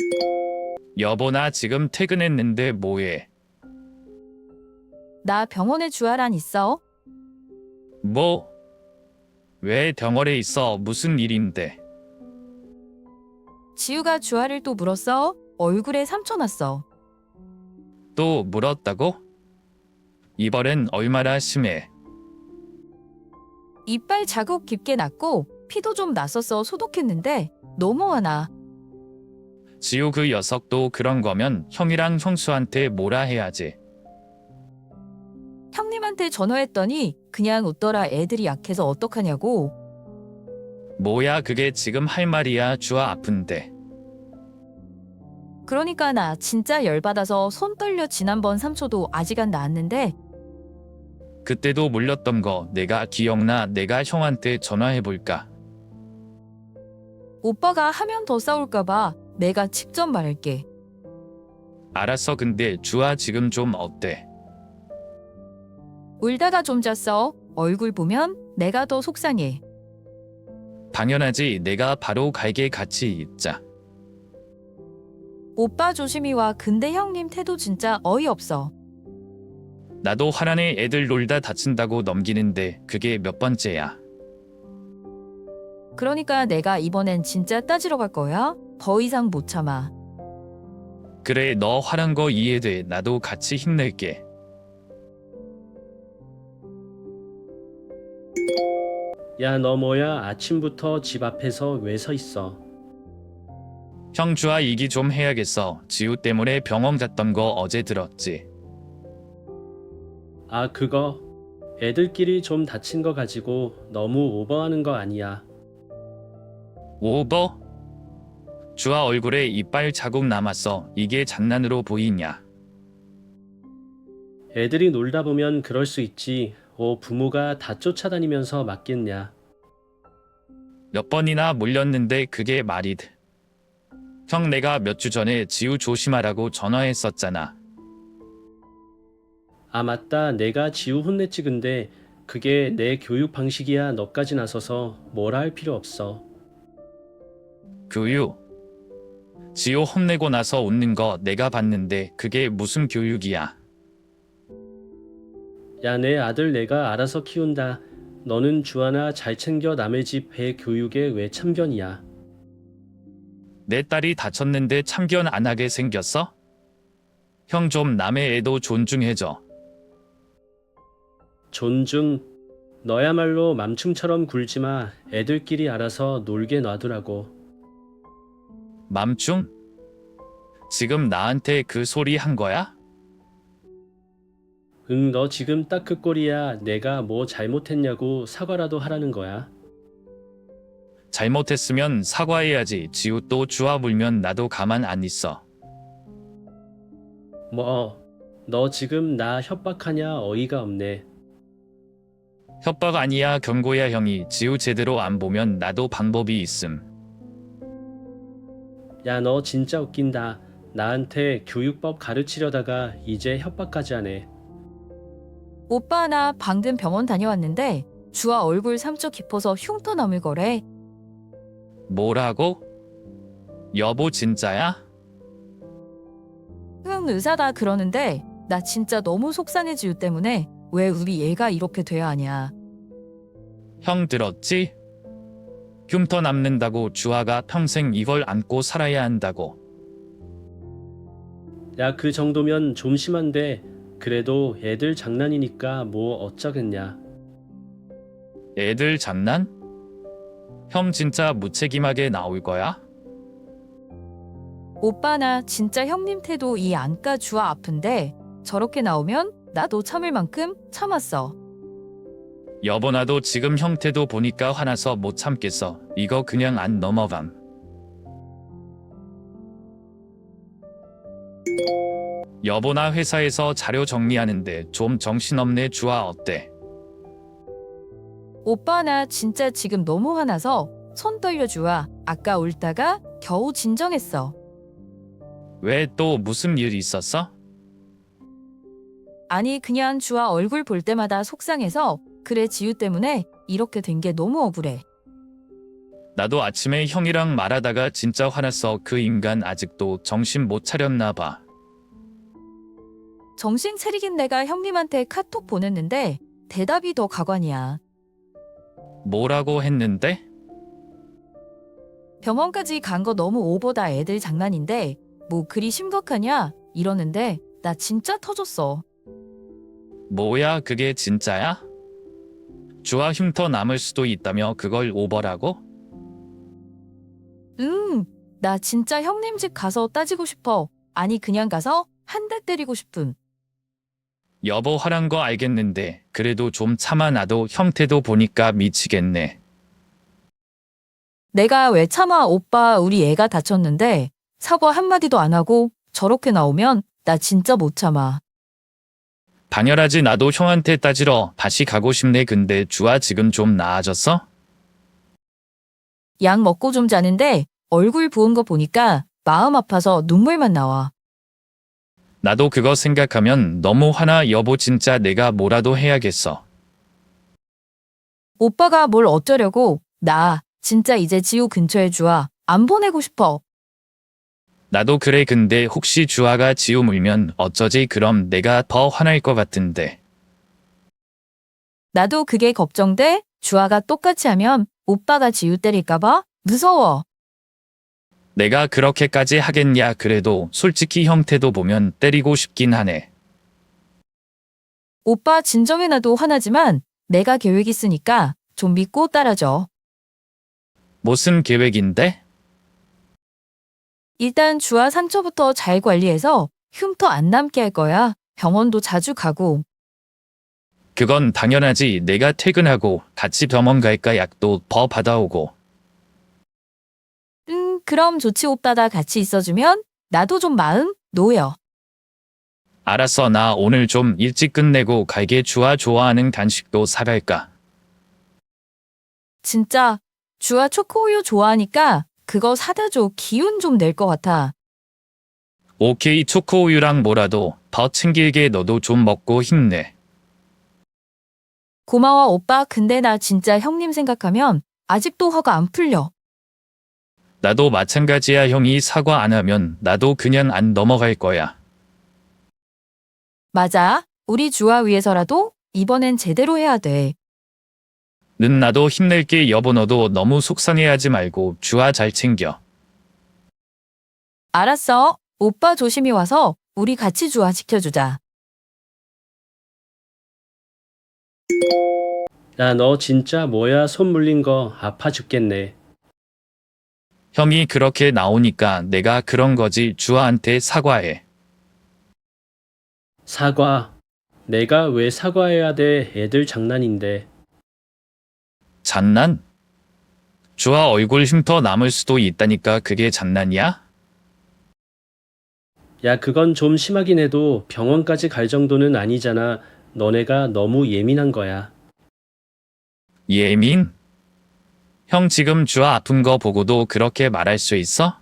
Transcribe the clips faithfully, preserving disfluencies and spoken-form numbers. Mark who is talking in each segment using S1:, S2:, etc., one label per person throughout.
S1: 여보, 나 지금 퇴근했는데 뭐해?
S2: 나 병원에 주아란 있어.
S1: 뭐? 왜 병원에 있어? 무슨 일인데?
S2: 지우가 주아를 또 물었어. 얼굴에 상처 났어.
S1: 또 물었다고? 이번엔 얼마나 심해?
S2: 이빨 자국 깊게 났고 피도 좀 났었어. 소독했는데 너무 화나.
S1: 지우, 그 녀석도 그런 거면 형이랑 형수한테 뭐라 해야지.
S2: 형님한테 전화했더니 그냥 웃더라. 애들이 약해서 어떡하냐고.
S1: 뭐야 그게 지금 할 말이야? 주아 아픈데.
S2: 그러니까 나 진짜 열받아서 손 떨려. 지난번 삼초도 아직 안 나았는데
S1: 그때도 물렸던 거 내가 기억나. 내가 형한테 전화해볼까?
S2: 오빠가 하면 더 싸울까봐 내가 직접 말할게.
S1: 알았어. 근데 주아 지금 좀 어때?
S2: 울다가 좀 잤어. 얼굴 보면 내가 더 속상해.
S1: 당연하지. 내가 바로 갈게. 같이 있자.
S2: 오빠 조심히 와. 근데 형님 태도 진짜 어이없어.
S1: 나도 화난애. 애들 놀다 다친다고 넘기는데 그게 몇 번째야?
S2: 그러니까 내가 이번엔 진짜 따지러 갈 거야. 더 이상 못 참아.
S1: 그래, 너 화난 거 이해돼. 나도 같이 힘낼게.
S3: 야, 너 뭐야? 아침부터 집 앞에서 왜 서 있어?
S1: 형, 주아 얘기 좀 해야겠어. 지우 때문에 병원 갔던 거 어제 들었지?
S3: 아, 그거 애들끼리 좀 다친 거 가지고 너무 오버하는 거 아니야.
S1: 오버? 주아 얼굴에 이빨 자국 남았어. 이게 장난으로 보이냐?
S3: 애들이 놀다 보면 그럴 수 있지. 어, 부모가 다 쫓아다니면서 맞겠냐.
S1: 몇 번이나 물렸는데 그게 말이 돼. 형, 내가 몇 주 전에 지우 조심하라고 전화했었잖아.
S3: 아, 맞다. 내가 지우 혼냈지. 근데 그게 내 교육 방식이야. 너까지 나서서 뭐라 할 필요 없어.
S1: 교육. 지우 혼내고 나서 웃는 거 내가 봤는데 그게 무슨 교육이야?
S3: 야, 내 아들 내가 알아서 키운다. 너는 주하나 잘 챙겨. 남의 집 배 교육에 왜 참견이야.
S1: 내 딸이 다쳤는데 참견 안 하게 생겼어? 형, 좀 남의 애도 존중해줘.
S3: 존중. 너야말로 맘충처럼 굴지 마. 애들끼리 알아서 놀게 놔두라고.
S1: 맘충? 지금 나한테 그 소리 한 거야?
S3: 응, 너 지금 딱 그 꼴이야. 내가 뭐 잘못했냐고 사과라도 하라는 거야.
S1: 잘못했으면 사과해야지. 지우 또 주아 물면 나도 가만 안 있어.
S3: 뭐, 너 지금 나 협박하냐? 어이가 없네.
S1: 협박 아니야, 경고야. 형이 지우 제대로 안 보면 나도 방법이 있음.
S3: 야, 너 진짜 웃긴다. 나한테 교육법 가르치려다가 이제 협박까지 하네.
S2: 오빠 나 방금 병원 다녀왔는데 주아 얼굴 상처 깊어서 흉터 남을 거래.
S1: 뭐라고? 여보 진짜야?
S2: 응, 의사다 그러는데 나 진짜 너무 속상해. 지우 때문에. 왜 우리 얘가 이렇게 돼야 하냐.
S1: 형 들었지? 흉터 남는다고 주아가 평생 이걸 안고 살아야 한다고.
S3: 야, 그 정도면 좀 심한데 그래도 애들 장난이니까 뭐 어쩌겠냐.
S1: 애들 장난? 형 진짜 무책임하게 나올 거야?
S2: 오빠 나 진짜 형님 태도 이 안까. 주아 아픈데 저렇게 나오면 나도 참을 만큼 참았어.
S1: 여보, 나도 지금 형태도 보니까 화나서 못 참겠어. 이거 그냥 안 넘어감. 여보, 나 회사에서 자료 정리하는데 좀 정신없네. 주아 어때?
S2: 오빠 나 진짜 지금 너무 화나서 손 떨려. 주아 아까 울다가 겨우 진정했어.
S1: 왜 또 무슨 일 있었어?
S2: 아니 그냥 주아 얼굴 볼 때마다 속상해서. 그래, 지우 때문에 이렇게 된 게 너무 억울해.
S1: 나도 아침에 형이랑 말하다가 진짜 화났어. 그 인간 아직도 정신 못 차렸나 봐.
S2: 정신 차리긴 내가 형님한테 카톡 보냈는데 대답이 더 가관이야.
S1: 뭐라고 했는데?
S2: 병원까지 간 거 너무 오버다. 애들 장난인데 뭐 그리 심각하냐 이러는데 나 진짜 터졌어.
S1: 뭐야 그게 진짜야? 주아 흉터 남을 수도 있다며 그걸 오버라고?
S2: 응, 나 진짜 형님 집 가서 따지고 싶어. 아니 그냥 가서 한 대 때리고 싶음.
S1: 여보 화난 거 알겠는데 그래도 좀 참아놔도 형태도 보니까 미치겠네.
S2: 내가 왜 참아. 오빠 우리 애가 다쳤는데 사과 한마디도 안 하고 저렇게 나오면 나 진짜 못 참아.
S1: 당연하지. 나도 형한테 따지러 다시 가고 싶네. 근데 주아 지금 좀 나아졌어?
S2: 약 먹고 좀 자는데 얼굴 부은 거 보니까 마음 아파서 눈물만 나와.
S1: 나도 그거 생각하면 너무 화나. 여보 진짜 내가 뭐라도 해야겠어.
S2: 오빠가 뭘 어쩌려고. 나 진짜 이제 지우 근처에 주아 안 보내고 싶어.
S1: 나도 그래. 근데 혹시 주아가 지우 물면 어쩌지? 그럼 내가 더 화날 것 같은데.
S2: 나도 그게 걱정돼. 주아가 똑같이 하면 오빠가 지우 때릴까봐 무서워.
S1: 내가 그렇게까지 하겠냐. 그래도 솔직히 형태도 보면 때리고 싶긴 하네.
S2: 오빠 진정해놔도 화나지만 내가 계획 있으니까 좀 믿고 따라줘.
S1: 무슨 계획인데?
S2: 일단 주아 상처부터 잘 관리해서 흉터 안 남게 할 거야. 병원도 자주 가고.
S1: 그건 당연하지. 내가 퇴근하고 같이 병원 갈까? 약도 더 받아오고.
S2: 음, 그럼 좋지. 오빠가 같이 있어주면 나도 좀 마음 놓여.
S1: 알았어. 나 오늘 좀 일찍 끝내고 갈게. 주아 좋아하는 간식도 사갈까?
S2: 진짜 주아 초코우유 좋아하니까 그거 사다 줘. 기운 좀 낼 것 같아.
S1: 오케이. 초코우유랑 뭐라도 더 챙길게. 너도 좀 먹고 힘내.
S2: 고마워 오빠. 근데 나 진짜 형님 생각하면 아직도 화가 안 풀려.
S1: 나도 마찬가지야. 형이 사과 안 하면 나도 그냥 안 넘어갈 거야.
S2: 맞아. 우리 주아 위해서라도 이번엔 제대로 해야 돼.
S1: 는 나도 힘낼게. 여보 너도 너무 속상해하지 말고 주아 잘 챙겨.
S2: 알았어. 오빠 조심히 와서 우리 같이 주아 지켜주자.
S3: 야, 너 진짜 뭐야? 손 물린 거 아파 죽겠네.
S1: 형이 그렇게 나오니까 내가 그런 거지. 주아한테 사과해.
S3: 사과. 내가 왜 사과해야 돼? 애들 장난인데.
S1: 장난? 주아 얼굴 흉터 남을 수도 있다니까. 그게 장난이야?
S3: 야, 그건 좀 심하긴 해도 병원까지 갈 정도는 아니잖아. 너네가 너무 예민한 거야.
S1: 예민? 형 지금 주아 아픈 거 보고도 그렇게 말할 수 있어?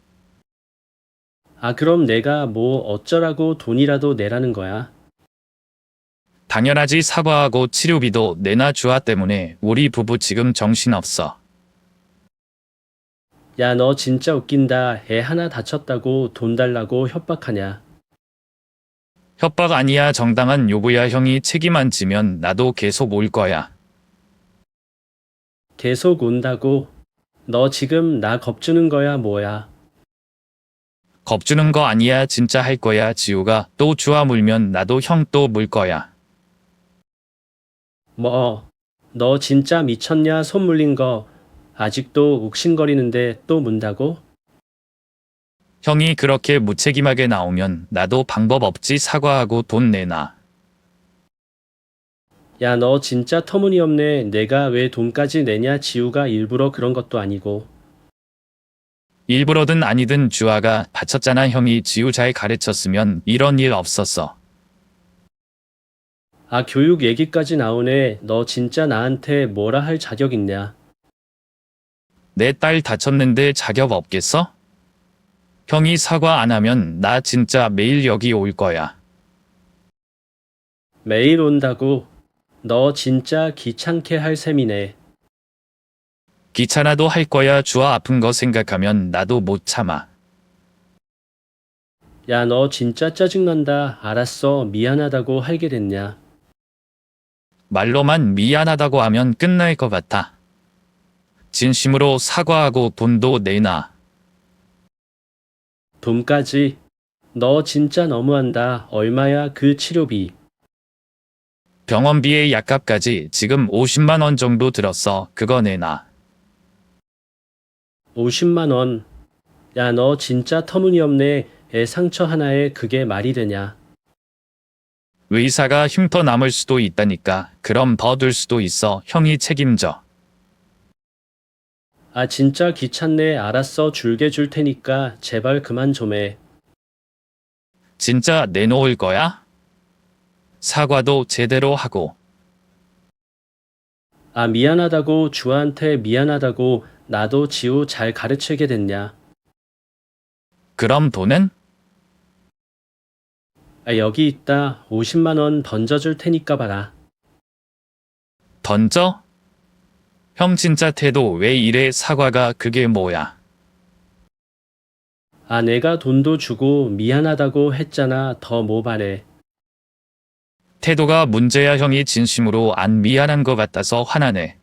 S3: 아, 그럼 내가 뭐 어쩌라고 돈이라도 내라는 거야?
S1: 당연하지. 사과하고 치료비도 내놔. 주아 때문에 우리 부부 지금 정신없어.
S3: 야, 너 진짜 웃긴다. 애 하나 다쳤다고 돈 달라고 협박하냐?
S1: 협박 아니야. 정당한 요구야. 형이 책임 안 지면 나도 계속 올 거야.
S3: 계속 온다고? 너 지금 나 겁주는 거야, 뭐야?
S1: 겁주는 거 아니야. 진짜 할 거야. 지우가 또 주아 물면 나도 형 또 물 거야.
S3: 뭐, 너 진짜 미쳤냐? 손 물린 거 아직도 욱신거리는데 또 문다고?
S1: 형이 그렇게 무책임하게 나오면 나도 방법 없지. 사과하고 돈 내놔.
S3: 야, 너 진짜 터무니없네. 내가 왜 돈까지 내냐? 지우가 일부러 그런 것도 아니고.
S1: 일부러든 아니든 주아가 다쳤잖아. 형이 지우 잘 가르쳤으면 이런 일 없었어.
S3: 아, 교육 얘기까지 나오네. 너 진짜 나한테 뭐라 할 자격 있냐?
S1: 내 딸 다쳤는데 자격 없겠어? 형이 사과 안 하면 나 진짜 매일 여기 올 거야.
S3: 매일 온다고? 너 진짜 귀찮게 할 셈이네.
S1: 귀찮아도 할 거야. 주아 아픈 거 생각하면 나도 못 참아.
S3: 야, 너 진짜 짜증난다. 알았어. 미안하다고 할게 됐냐?
S1: 말로만 미안하다고 하면 끝날 것 같아. 진심으로 사과하고 돈도 내놔.
S3: 돈까지? 너 진짜 너무한다. 얼마야 그 치료비?
S1: 병원비에 약값까지 지금 오십만 원 정도 들었어. 그거 내놔.
S3: 오십만 원. 야, 너 진짜 터무니없네. 애 상처 하나에 그게 말이 되냐?
S1: 의사가 흉터 남을 수도 있다니까. 그럼 더 들 수도 있어. 형이 책임져.
S3: 아, 진짜 귀찮네. 알았어. 줄게 줄 테니까 제발 그만 좀 해.
S1: 진짜 내놓을 거야? 사과도 제대로 하고.
S3: 아, 미안하다고 주한테 미안하다고 나도 지우 잘 가르치게 됐냐?
S1: 그럼 돈은?
S3: 아, 여기 있다. 오십만 원 던져줄 테니까 봐라.
S1: 던져? 형 진짜 태도 왜 이래? 사과가 그게 뭐야?
S3: 아, 내가 돈도 주고 미안하다고 했잖아. 더 뭐 바래.
S1: 태도가 문제야. 형이 진심으로 안 미안한 것 같아서 화나네.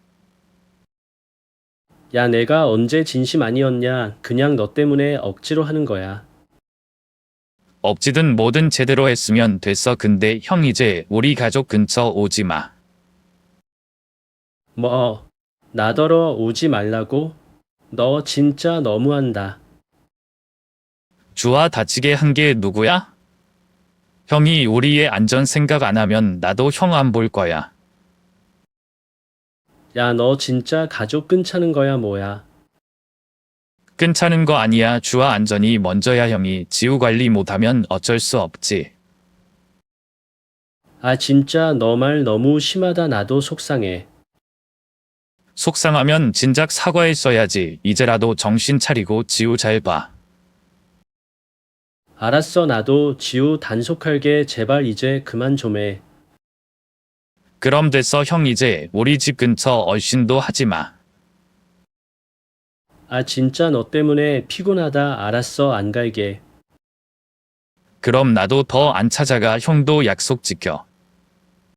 S3: 야, 내가 언제 진심 아니었냐? 그냥 너 때문에 억지로 하는 거야.
S1: 억지든 뭐든 제대로 했으면 됐어. 근데 형 이제 우리 가족 근처 오지 마.
S3: 뭐, 나더러 오지 말라고? 너 진짜 너무한다.
S1: 주아 다치게 한 게 누구야? 형이 우리의 안전 생각 안 하면 나도 형 안 볼 거야.
S3: 야, 너 진짜 가족 끈차는 거야, 뭐야?
S1: 괜찮은 거 아니야. 주아 안전이 먼저야. 형이 지우 관리 못하면 어쩔 수 없지.
S3: 아, 진짜 너 말 너무 심하다. 나도 속상해.
S1: 속상하면 진작 사과했어야지. 이제라도 정신 차리고 지우 잘 봐.
S3: 알았어, 나도 지우 단속할게. 제발 이제 그만 좀 해.
S1: 그럼 됐어. 형 이제 우리 집 근처 얼씬도 하지 마.
S3: 아, 진짜 너 때문에 피곤하다. 알았어, 안 갈게.
S1: 그럼 나도 더 안 찾아가. 형도 약속 지켜.